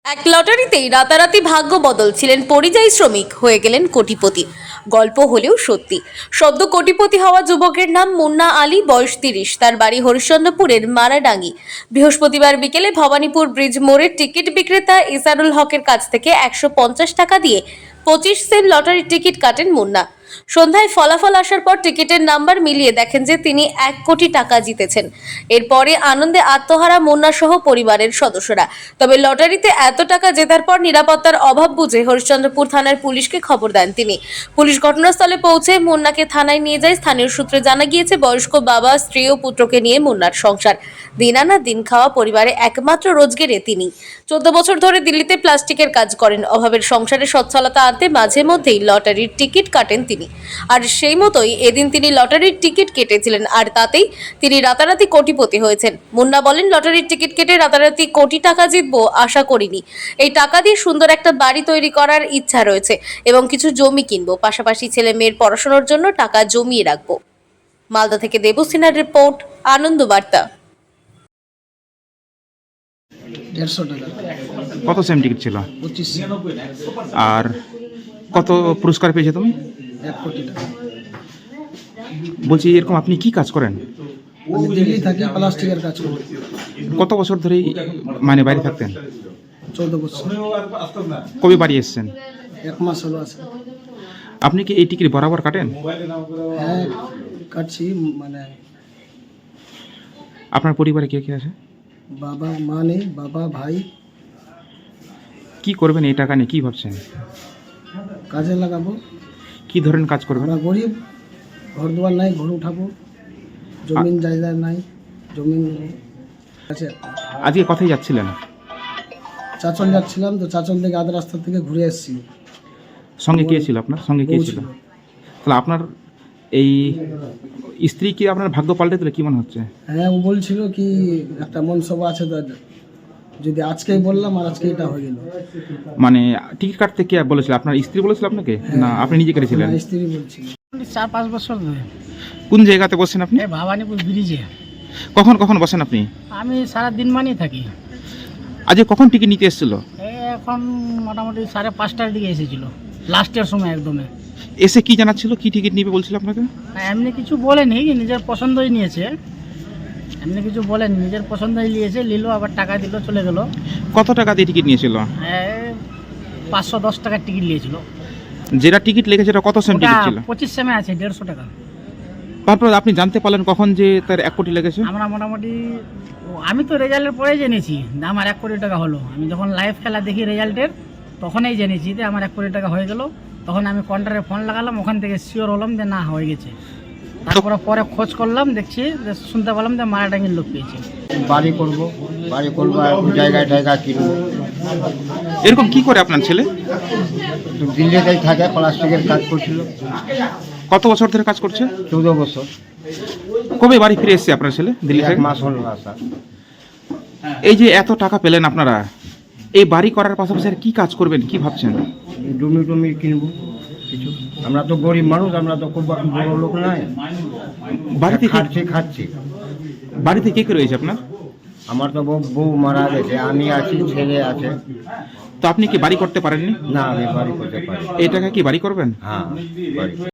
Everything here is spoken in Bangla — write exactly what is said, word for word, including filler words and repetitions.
এক লটারিতেই রাতারাতি ভাগ্য বদল ছিলেন পরিযায়ী শ্রমিক হয়ে গেলেন কোটিপতি। গল্প হলেও সত্যি। সদ্য কোটিপতি হওয়া যুবকের নাম মুন্না আলী, বয়স তিরিশ। তার বাড়ি হরিশ্চন্দ্রপুরের মারাডাঙ্গি। বৃহস্পতিবার বিকেলে ভবানীপুর ব্রিজ মোড়ের টিকিট বিক্রেতা ইসারুল হকের কাছ থেকে একশো পঞ্চাশ টাকা দিয়ে পঁচিশ সেন্ট লটারির টিকিট কাটেন মুন্না। সন্ধ্যায় ফলাফল আসার পর টিকিটের নাম্বার মিলিয়ে দেখেন যে তিনি এক কোটি টাকা জিতেছেন। এরপরে আনন্দে আত্মহারা মুন্না সহ পরিবারের সদস্যরা। তবে লটারিতে এত টাকা জেতার পর নিরাপত্তার অভাব বুঝে হরিশ্চন্দ্রপুর থানার পুলিশকে খবর দেন তিনি। পুলিশ ঘটনাস্থলে পৌঁছে মুন্নাকে থানায় নিয়ে যায়। স্থানীয় সূত্রে জানা গিয়েছে, বয়স্ক বাবা, স্ত্রী ও পুত্রকে নিয়ে মুন্নার সংসার। দিন আনা দিন খাওয়া পরিবারে একমাত্র রোজগেরে তিনি। চোদ্দ বছর ধরে দিল্লিতে প্লাস্টিকের কাজ করেন। অভাবের সংসারে সচ্ছলতা আনতে মাঝে মধ্যেই লটারির টিকিট কাটেন তিনি। আর সেই মতোই এদিন তিনি লটারির টিকিট কেটেছিলেন, আর তাতেই তিনি রাতারাতি কোটিপতি হয়েছেন। মুন্না বলেন, লটারির টিকিট কেটে রাতারাতি কোটি টাকা জিতবো আশা করিনি। এই টাকা দিয়ে সুন্দর একটা বাড়ি তৈরি করার ইচ্ছা রয়েছে এবং কিছু জমি কিনবো, পাশাপাশি ছেলে মেয়ের পড়াশোনার জন্য টাকা জমিয়ে রাখবো। মালদা থেকে দেবসিনার রিপোর্ট, আনন্দ বার্তা। দেড়শো টাকা। কত সেম টিকিট ছিল? পঁচিশ। আর কত পুরস্কার পেয়েছে তুমি? এক কোটি টাকা। বলছি, এরকম আপনি কি কাজ করেন? আমি দিল্লি থাকি, প্লাস্টিকের কাজ করি। কত বছর ধরেই মানে বাইরে থাকতেন? চৌদ্দ বছর। কবে বাড়ি এসেছেন? এক মাস হলো আছে। আপনি কি এই টিকিট বরাবর কাটেন? হ্যাঁ, কাটছি। মানে আপনার পরিবারে কে কে আছে? বাবা মা নেই, বাবা ভাই। কি করবেন এই টাকা নিয়ে, কি ভাবছেন? কাজে লাগাবো। কি ধরনের কাজ করবেন? আমরা গরিব, ঘর দুয়ার নাই, ঘর উঠাবো। জমিন জায়গা নাই, জমিন আছে। আজকে কোথায় যাচ্ছিলেন? চাচল যাচ্ছিলাম, তো চাচল থেকে আধ রাস্তা থেকে ঘুরে এসেছি। সঙ্গে কে ছিল আপনার? সঙ্গে কে ছিল? তাহলে আপনার এই স্ত্রী কি আপনার ভাগ্য পাল্টে দিলে, কি মনে হচ্ছে? হ্যাঁ, ও বলছিল কি একটা মনসভা আছে, তো যদি আজকেই বললাম আর আজকে এটা হয়ে গেল। মানে টিকিট কাটতে কে বলেছিল? আপনার স্ত্রী বলেছিল আপনাকে, না আপনি নিজে কেটেছিলেন? না, স্ত্রী বলছিল। চার পাঁচ বছর ধরে। কোন জায়গাতে বসেন আপনি? এই ভবানীপুর ব্রিজে। কখন কখন বসেন আপনি? আমি সারা দিন মানেই থাকি। আজকে কখন টিকিট নিতে এসেছিল? এই এখন মোটামুটি সাড়ে পাঁচটার দিকে এসেছিল, লাস্টের সময় একদমে। এসে কি জানাচ্ছিল, কি টিকিট নিবে বলছিল আপনাকে? না, এমনি কিছু বলেনি, নিজের পছন্দই নিয়েছে। এমনি কিছু বলেনি, নিজের পছন্দই নিয়েছে, নিল, আবার টাকা দিল, চলে গেল। কত টাকা দিয়ে টিকিট নিয়েছিল? পাঁচশো দশ টাকার টিকিট নিয়েছিল। যেটা টিকিট লেগেছে সেটা কত সেম টিকিট ছিল? পঁচিশ সেমে আছে, দেড়শো টাকা। তারপর আপনি জানতে পারলেন কখন যে তার এক কোটি লেগেছে? আমরা মোটামুটি, আমি তো রেজাল্টের পরেই জেনেছি যে আমার এক কোটি টাকা হলো। আমি যখন লাইভ খেলা দেখি রেজাল্টের, তখনই জেনেছি যে আমার এক কোটি টাকা হয়ে গেল। তখন আমি কাউন্টারে ফোন লাগালাম, ওখান থেকে শিওর হলাম যে না, হয়ে গেছে। তারপরে পরে খোঁজ করলাম, দেখছি যে শুনতে পেলাম যে মারাডাঙ্গির লোক পেয়েছে। বাড়ি করব, বাড়ি করবো, জায়গায় জায়গা কিনবো। এরকম কি করে আপনার ছেলে? তো দিল্লিতেই থাকে, প্লাস্টিকের কাজ করছিল। কত বছর ধরে কাজ করছে? চৌদ্দ বছর। কবে বাড়ি ফিরে এসেছে আপনার ছেলে দিল্লি এক থেকে? মাস হলো আসা। এই যে এত টাকা পেলেন আপনারা, এই বাড়ি করার পাশাপাশি আর কি কাজ করবেন, কি ভাবছেন? জমি টমি কিনবো কিছু। আমরা তো গরিব মানুষ, আমরা তো খুব বড় লোক নাই। বাড়িতে কে- খাচ্ছি খাচ্ছি বাড়িতে কে কে রয়েছে আপনার? আমার তো বউ বউ মারা গেছে, আমি আছি, ছেলে আছে। তো আপনি কি বাড়ি করতে পারেননি? না, আমি বাড়ি করতে পারি। এই টাকা কি বাড়ি করবেন? হ্যাঁ, বাড়ি।